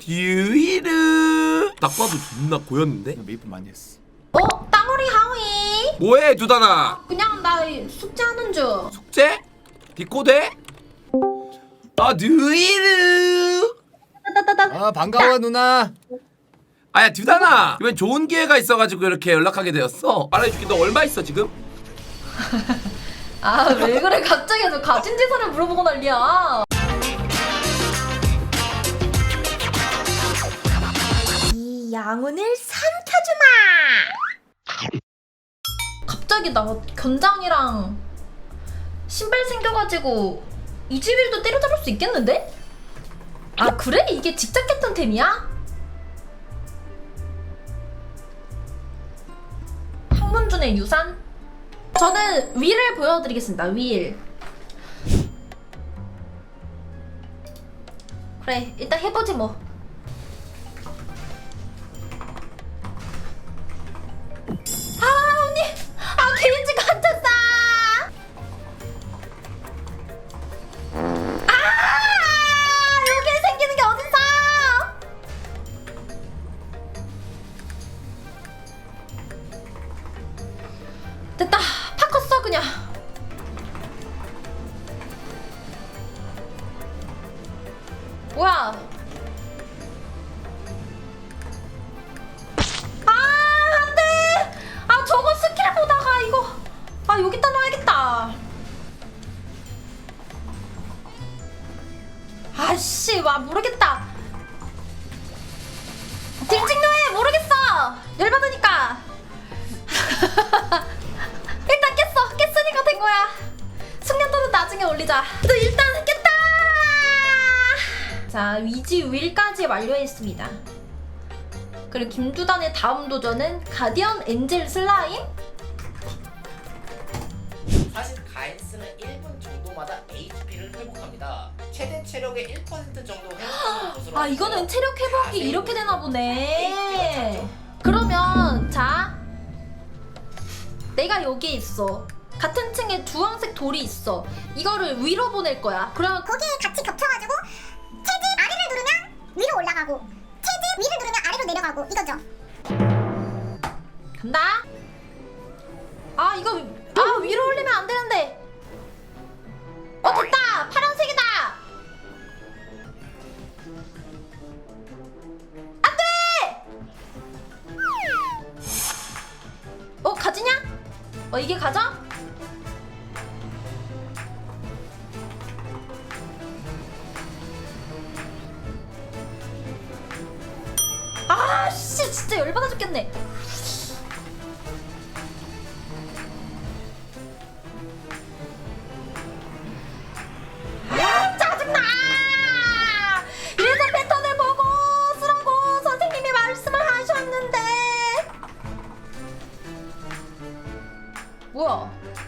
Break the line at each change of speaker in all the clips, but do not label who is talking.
듀이르 딱 봐도 존나 고였는데?
메이플 많이 했어.
땅오리 하위.
뭐해 두다나?
그냥 나 숙제하는 중.
숙제? 디코데? 아 듀이르.
아 반가워 누나.
아야 듀다나 이번 좋은 기회가 있어가지고 이렇게 연락하게 되었어. 말해줄게. 너 얼마 있어 지금?
아 왜 그래 갑자기 너 가진 재산을 물어보고 난리야. 이 양운을 삼켜주마. 갑자기 나 견장이랑 신발 생겨가지고 이지빌도 때려잡을 수 있겠는데? 아 그래? 이게 직접 했던 템이야? 황문준의 유산? 저는 윌을 보여드리겠습니다. 윌. 그래 일단 해보지 뭐. 아 언니! 아 게이지 갇혔어! 아 여기에 생기는 게 어딨어! 됐다. 파 컸어 그냥. 뭐야? 아 안돼. 아 저거 스킬 보다가 이거. 아 여기다 놔야겠다. 아씨 와 모르겠다. 징징노해 모르겠어. 열받으니까. 일단 깼으니까 된 거야. 숙련도는 나중에 올리자. 또 일단 깼다. 자 위지 윌까지 완료했습니다. 그리고 김두단의 다음 도전은 가디언 엔젤 슬라임.
사실 가인스는 1분 정도마다 HP를 회복합니다. 최대 체력의 1% 정도 회복하는 것으로.
아 이거는 체력 회복이 이렇게 되나 보네. 그러면 자 내가 여기에 있어. 같은 층에 주황색 돌이 있어. 이거를 위로 보낼 거야. 그러면
거기에 같이 겹쳐가지고 체지 아래를 누르면 위로 올라가고 체지 위를 누르면 아래로 내려가고 이거죠.
간다. 아 이거 위로 올리면 안 되는데. 됐다. 파란색이다. 안 돼. 가지냐? 이게 가져? 아씨 진짜 열받아 죽겠네. 아 짜증나. 이래서 패턴을 보고 쓰라고 선생님이 말씀을 하셨는데. 뭐야?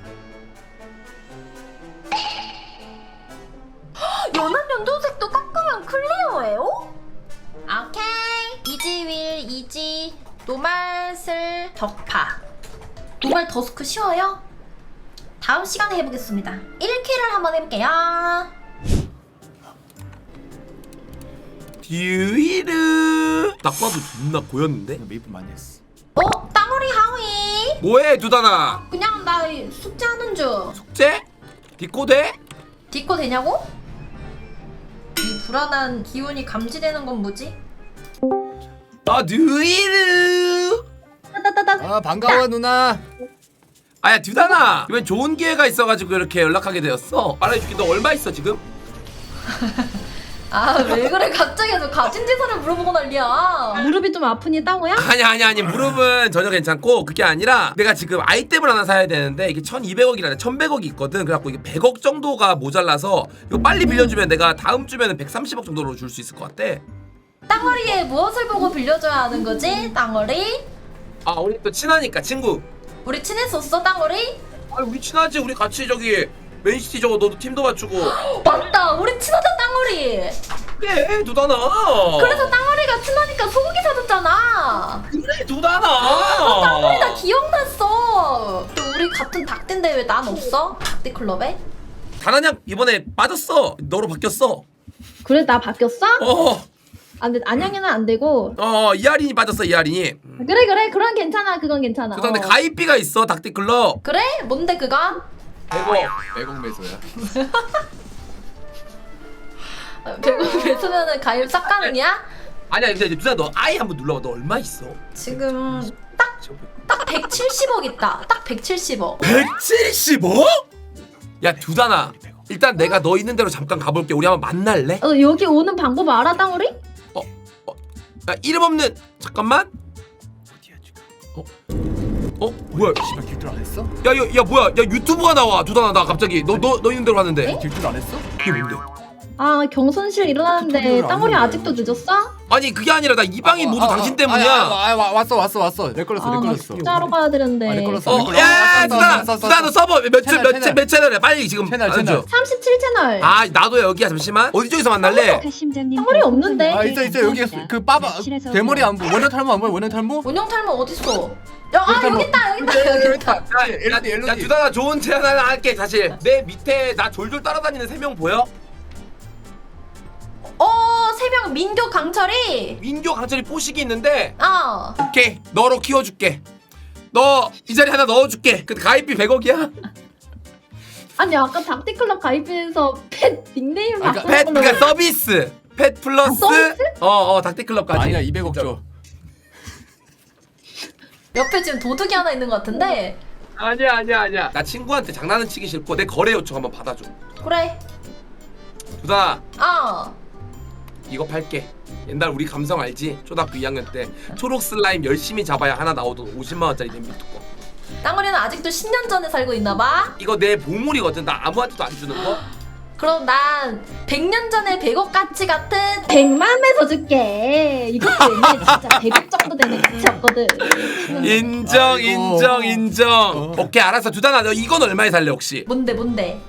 연한 연두색도 깎으면 클리어예요? 오케이. 이지윌 이지 노말슬 덕파. 노말 더스크 쉬워요? 다음 시간에 해보겠습니다. 1킬을 한번 해볼게요.
듀이르 딱 봐도 존나 고였는데?
메이플 많이 했어.
땅오리 하위.
뭐해 두다나?
그냥 나 숙제하는 중.
숙제? 디코데?
디코 되냐고? 이 불안한 기운이 감지되는 건 뭐지?
아 듀이르.
아 반가워 누나.
아야 듀다나 이번 좋은 기회가 있어가지고 이렇게 연락하게 되었어. 말해줄게. 너 얼마 있어 지금?
아 왜 그래 갑자기 너 가진 재산을 물어보고 난리야.
무릎이 좀 아프니 땅오야?
아니 무릎은 전혀 괜찮고 그게 아니라 내가 지금 아이템을 하나 사야 되는데 이게 1200억이라 1100억이 있거든. 그래갖고 이게 100억 정도가 모자라서 이거 빨리 빌려주면 내가 다음 주면은 130억 정도로 줄 수 있을 것 같아.
땅어리에 무엇을 보고 빌려줘야 하는 거지? 땅어리?
아 우리 또 친하니까 친구.
우리 친했었어 땅어리?
아니 우리 친하지. 우리 같이 저기 맨시티 저거 너도 팀도 맞추고.
맞다 우리 친하다 땅어리.
그래 두다나.
그래서 땅어리가 친하니까 소고기 사줬잖아.
그래 두다나.
땅어리 나 기억났어. 또 우리 같은 닭대인데 왜 난 없어? 닭대 클럽에?
다나냥 이번에 빠졌어. 너로 바뀌었어.
그래 나 바뀌었어?
어.
아 근데 안양이는 안 되고.
이하린이 빠졌어 이하린이.
그래 그건 괜찮아 그건 괜찮아.
근데 가입비가 있어 닥티클럽.
그래? 뭔데 그건?
100억 매소야.
100원 뱉으면은 가입 싹 가능이야?
아니야 근데 누나 너 아이 한번 눌러봐. 너 얼마 있어?
지금 딱 170억 있다. 딱 170억.
170억? 야 두단아 일단 내가 너 있는 대로 잠깐 가볼게. 우리 한번 만날래?
여기 오는 방법 알아 땅우리?
야 이름 없는 잠깐만. 뭐야?
씨발 길줄 안 했어?
야 뭐야? 야 유튜브가 나와 두단아 나 갑자기 너 있는 대로 왔는데.
길줄 안 했어?
이게 뭔데?
아 경선실 일어났는데
튜토리얼
땅우리
안
아직도 늦었어?
아니 그게 아니라 나 이 방이 모두 당신 때문이야.
왔어. 내 걸렸어.
나 진짜로 가야 되는데.
내 걸렸어.
야 두단아 너 서버 몇
채널.
채널이야? 빨리 지금
채널.
알려줘.
37채널.
아 나도 여기야 잠시만. 어디 쪽에서 만날래?
땅우리 없는데.
있어 여기 그 빠바 대머리 안 보여. 원형 탈모 안 보여. 원형 탈모?
원형 탈모 어딨어? 여기 있다.
야 두단아 좋은 제안 하나 할게. 사실 내 밑에 나 졸졸 따라다니는 3명 보여?
3명 민교 강철이.
민교 강철이 뽀식이 있는데 오케이 너로 키워줄게. 너 이 자리 하나 넣어줄게. 근데 가입비 100억이야?
아니 아까 닥티클럽 가입해서 펫 닉네임 바꾸는
펫
걸로.
그러니까 서비스 펫 플러스
서비스?
닥티클럽까지.
아니야 200억 줘.
옆에 지금 도둑이 하나 있는 것 같은데.
아니야 나 친구한테 장난은 치기 싫고 내 거래 요청 한번 받아줘.
그래.
두단아
아
이거 팔게. 옛날 우리 감성 알지? 초등학교 2학년 때 초록 슬라임 열심히 잡아야 하나 나오던 50만원짜리 냄비 뚜껑.
땅우리는 아직도 10년 전에 살고 있나봐.
이거 내 보물이거든. 나 아무한테도 안 주는 거.
그럼 난 100년 전에 100억 가치 같은
100만 매서 줄게. 이것도 옛날에 진짜 100억 정도 되는 가치였거든.
인정
아이고.
인정. 오케이 알았어. 두단아 너 이건 얼마에 살래 혹시?
뭔데?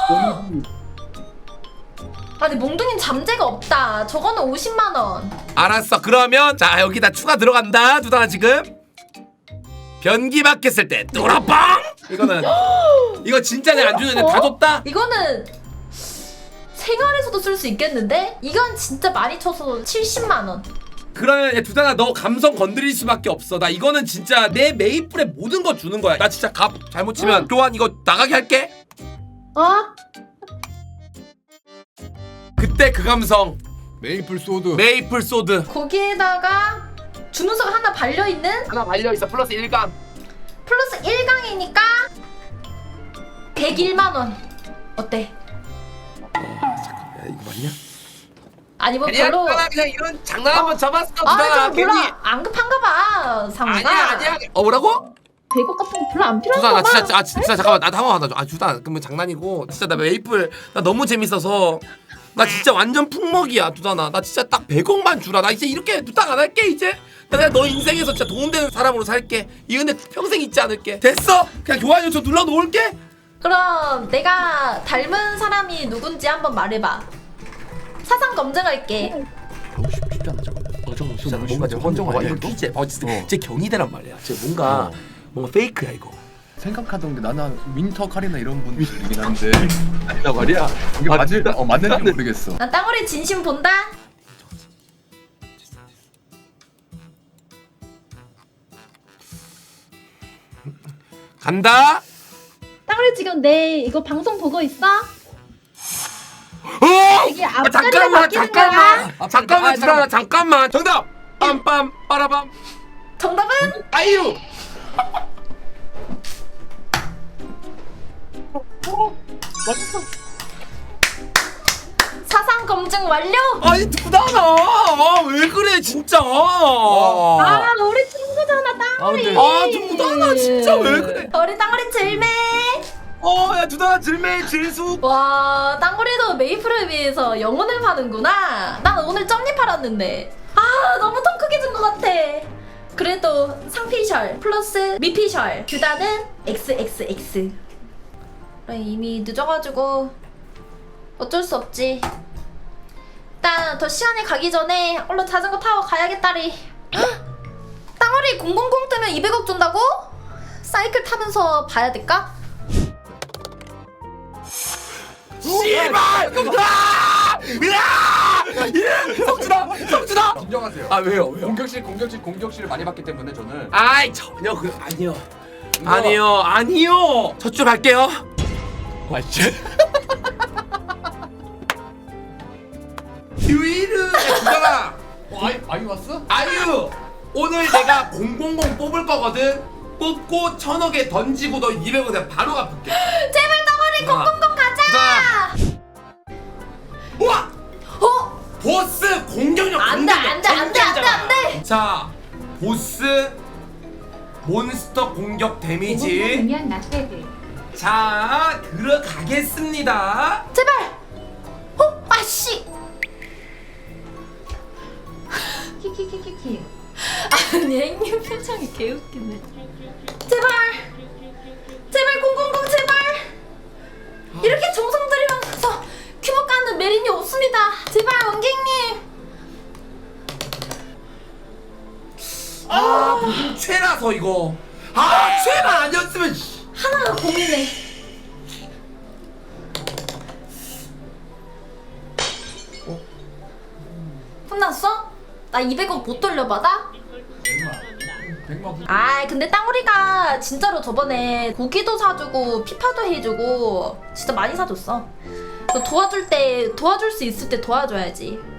아니 몽둥이는 잠재가 없다. 저거는 50만 원.
알았어. 그러면 자 여기다 추가 들어간다. 두단아 지금 변기 막혔을 때 뚜라빵. 이거는 이거 진짜 내가 안 주는 다 줬다.
이거는 생활에서도 쓸 수 있겠는데? 이건 진짜 많이 쳐서 70만 원.
그러면 야, 두단아 너 감성 건드릴 수밖에 없어. 나 이거는 진짜 내 메이플에 모든 거 주는 거야. 나 진짜 값 잘못 치면 교환 이거 나가게 할게. 그때 그 감성
메이플 소드.
메이플 소드
거기에다가 주문서가 하나 발려있는
하나 발려있어. 플러스 1강.
플러스 1강이니까 101만 원. 어때?
야 이거 맞냐?
아니 뭐
그냥
별로
두단아 그냥 이런 장난 한번 잡았어. 두단아
좀 별로
괜히
안 급한가 봐 상무가.
아니야 뭐라고?
100억 같은 거 별로 안
두단아
필요한가
나
봐.
진짜 잠깐만 나도 한번 받아줘. 두단아 그러면 장난이고 진짜 나 메이플 나 너무 재밌어서 나 진짜 완전 풍먹이야. 두단아 나 진짜 딱 100억만 주라. 나 이제 이렇게 부탁 안 할게. 이제 나 그냥 너 인생에서 진짜 도움되는 사람으로 살게. 이 은혜 평생 잊지 않을게. 됐어? 그냥 교환 요청 눌러놓을게.
그럼 내가 닮은 사람이 누군지 한번 말해봐. 사상 검증할게.
쉽지 않아 저거.
진짜
뭔가 헌정 아니야 이거?
진짜 경이대란 말이야. 진짜 뭔가 페이크야 이거.
생각하던 게 나는 윈터 카리나 이런 분들이긴 한데 아니다 말이야. 이게 맞는지 모르겠어.
난 땅우리 진심 본다.
간다.
땅우리 지금 내 이거 방송 보고 있어? 이게 앞자리가
잠깐만
바뀌는 거야?
잠깐만 두단아 잠깐만. 정답. 빰빰 빠라밤.
정답은
아이유.
사상 검증 완료.
아니 두단아 왜 그래 진짜.
아 우리 친구잖아 땅우리.
두단아 진짜 왜 그래.
우리 땅우리 질매.
야 두단아 질매 질수.
와 땅우리도 메이플을 위해서 영혼을 파는구나. 난 오늘 점리 팔았는데 너무 더 크게 준 것 같아. 그래도 상피셜 플러스 미피셜 규다는 XXX. 그래, 이미 늦어가지고 어쩔 수 없지. 일단 더 시간이 가기 전에 얼른 자전거 타고 가야겠다리. 땅우리 000 뜨면 200억 준다고? 사이클 타면서 봐야 될까?
씨발! 성준아! 성준아!
인정하세요.
아 왜요?
공격실을 많이 받기 때문에 저는
아이 전혀 그 아니요. 아니요. 저쪽 갈게요.
맞지?
유이르 주잖아.
아이 왔어?
아유 오늘 내가 000 뽑을 거거든. 뽑고 1000억에 던지고 너 200원 내가 바로 갚을게.
제발 덩어리 000 가자.
우와
어?
보스 공격력
안돼 안돼 안돼 안돼 안돼.
자 보스 몬스터 공격 데미지
보면 나빼들.
자 들어가겠습니다.
제발. 어? 아씨.
키키키키키.
아니 행님 표정이 개웃기네. 제발 000 제발. 이렇게 정성 들이면서 큐브 까는 메린이 없습니다. 제발 원객님.
무슨 죄라서 이거 죄만 아니었으면
하나가 고민해. 혼났어? 나 200원 못 돌려받아?
100만
아 근데 땅우리가 진짜로 저번에 고기도 사주고 피파도 해주고 진짜 많이 사줬어. 너 도와줄 수 있을 때 도와줘야지.